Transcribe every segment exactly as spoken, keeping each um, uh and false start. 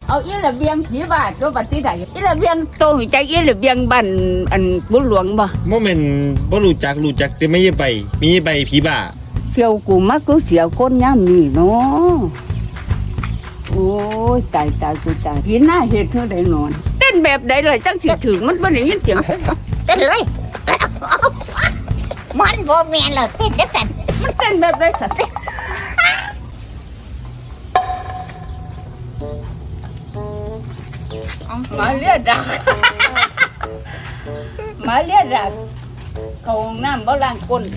เอาอีระเบียงผีบาทตัวบัดที่ใดอีระเบียงโตหูจักอีระเบียงบ้านอันบุญหลวงบ่โมเมนบ่รู้จักรู้จักแต่ไม่ใช่ใบมีใบผีบ้าเสี่ยวกูมักกูเสียวคนย่ำนี่เนาะโอ้ยตายตายกูตายผีหน้าเฮ็ดเท่าใดนอนเต้นแบบใดเลยจังสิถึงมันบ่ได้ยินเสียงเต้นเลยมันบ่แม่นหรอกเต้นจังซั่นมันเต้นแบบใดสัตว์มาเลียดักมาเลียดักเข้าห้องน้ำบ่ล้างก้น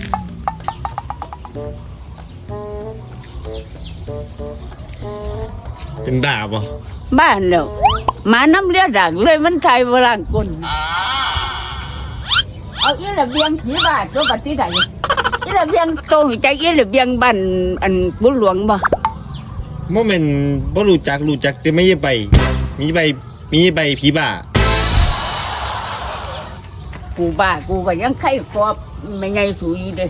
เป็นบ้าบ่บ้านแล้วหมาน้ำเลียดักเลยมันไทยบ่ล้างก้นเอาอีระเบียงผีบาทตัวบัดที่ใดอีระเบียงโตหูจักอีระเบียงบ้านอันบุญหลวงบ่โมเมนบ่รู้จักรู้จักแต่ไม่ใช่ใบมีใบมีใบผีบ้ากูบ้ากูก็ยังไข้กอบไม่ไงสูยเด้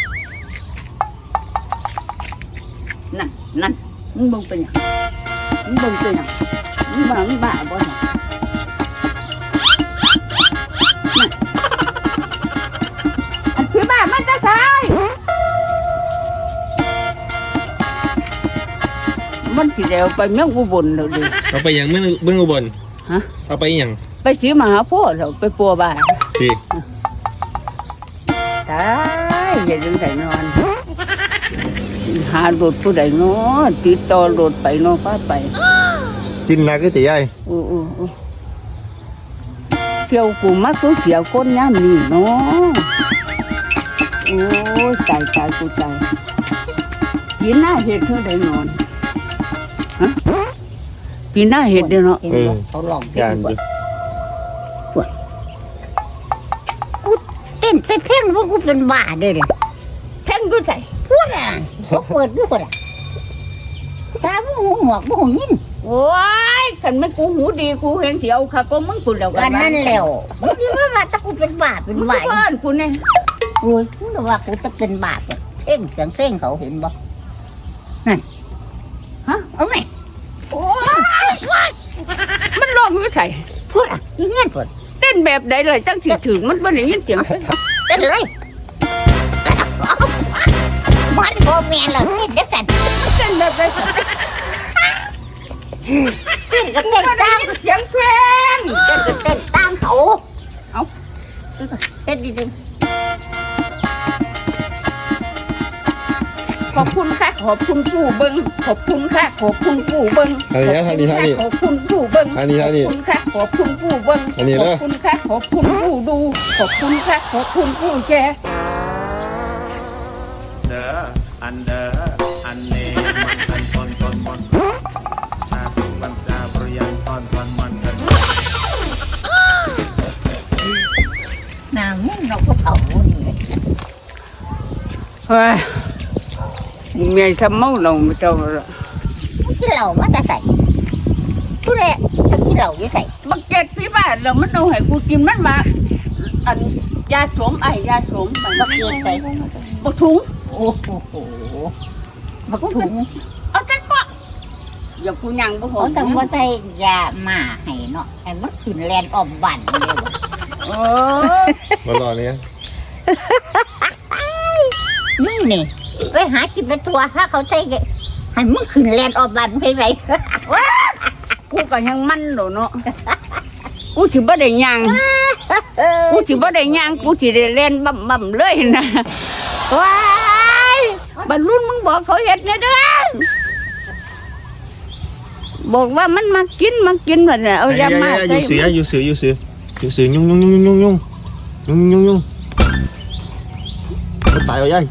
นั่นนั่นมึงเบิ่งเป็นหยังมึงเบิ่งเป็นหยังมึงบ้ามึงบ้าบ่เนี่ยนั่นอันผีบ้ามันจะตายมันสิเดียวไปเมืองอุบลแล้วดิเอาไปยังเมืองเมืองอุบลฮะเอาไปยังไปสีมหาโพธิ์แล้วไปปัวบ้านสิตายอย่าดึงใส่นอนหาโดดผู้ใดเนาะติดต่อโดดไปเนาะพาไปสิ้นนักก็ตีใหญ่อู้อู้อู้เสี่ยวกูมักกูเสียวคนย่ำนี่เนาะโอ้ยตายตายกูตายปีหน้าเห็ดเท่าใดนอนฮะปีหน้าเห็ดเด้อเนาะเออเขาลองเต้นดิกูเต้นใส่เพลงว่ากูเป็นบ้าเด้อเด้เพลงกูใส่พูดอ่ะเขาเปิดดูก่อนอ่ะตาบ่หูหมวกบ่หูยินโอ้ยคันมันกูหูดีกูเห็นเสียวค่ะก็มึงกูแล้วกันนั่นแล้วมึงคิดว่าถ้ากูเป็นบ้าเป็นบ้าเพื่อนกูเนี่ยโอ้ยมึงว่ากูจะเป็นบ้าเนี่ยเพลงเสียงเพลงเขาเห็นบ่นั่นฮะเอาไหมโอ้ยมันร้องอยู่ใส่พูดอ่ะเงี้ยพูดเต้นแบบใดเลยจังสิถึงมันบ่ได้ยินเสียงเต้นเลยมันบ่แม่นหรอกเต้นจังซั่นเต้นแบบใดสัตว์เต้นก็เต้นตามเสียงเพลงเต้นก็เต้นตามเขาเอาเต้นดีๆขอบคุณค่ะขอบคุณผู้เบิ้งขอบคุณค่ะขอบคุณผู้เบิ้งอันนี้ท่านี้ท่านี้ขอบคุณผู้เบิ้งอันนี้ท่านี้ขอบคุณค่ะขอบคุณผู้เบิ้งอันนี้ขอบคุณค่ะขอบคุณผู้ดูขอบคุณค่ะขอบคุณผู้แชร์เด้ออันเด้ออันนี้มันอันตอนตอนมันชาติมันจะบริยังตอนตอนมันกันนางมึงเราก็เอานี่เฮ้ยเมียทำเมาเราไม่เจ้าละกินเหล้ามาจะใส่ผู้ใดจะกินเหล้าจะใส่บักเก็ตพี่บ้านเรามันเอาให้กูกินมันมาอันยาสวมไอยาสวมบักเก็ตใส่บักถุงโอ้โหบักถุงเอาใส่ก็อย่ากูยังบ่หอมเขาต้องว่าใส่ยาหมาให้เนาะไอ้มันขึ้นแลนออมบันเลยว่ะเออมารอเนี่ยมึงนี่ไปหาจิบไปทัวถ้าเขาใส่ให้มึงขึ้นแลนออมบันไปไหนกูก็ยังมันโดเนาะกูสิบ่ได้ยังกูสิบ่ได้ยังกูสิได้เล่นบ่ำบ่ำเลยนะว้ายบรรลุมึงบอกเขาเฮ็ดเนี่ยเด้อบอกว่ามันมากินมากินแบบนี้เอายามาใส่อยู่เสืออยู่เสืออยู่เสืออยู่เสือยุ่งยุ่งยุ่งยุ่งยุ่งยุ่งยุ่งยุ่งตายไปยัย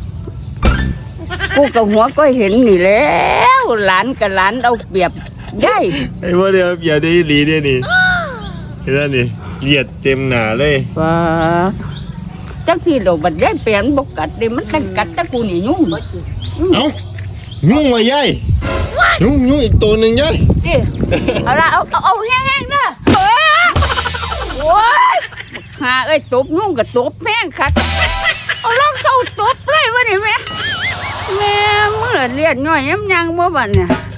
กูกับหัวก็เห็นนี่แล้วหลานกับหลานเอาเปรียบยัยไอ้พวกเดียวอย่าได้ลีเนี่ยนี่เห็นไหมนี่เหยียดเต็มหนาเลยว้าจังที่เราบัดยัยเปลี่ยนบกกัดดิมันตั้งกัดตะกูนี่ยุ่งเอ้ายุ่งมายัยยุ่งยุ่งอีกตัวหนึ่งยัยเอาละเอาเอาแห้งๆนะโอ้ยหาเอ้ยตบยุ่งกับตบแห้งคักเอาลองเข้าตบเลยวะนี่แม่แม่เมื่อเลียดน้อยย้ำยังบ่บัดเนี่ย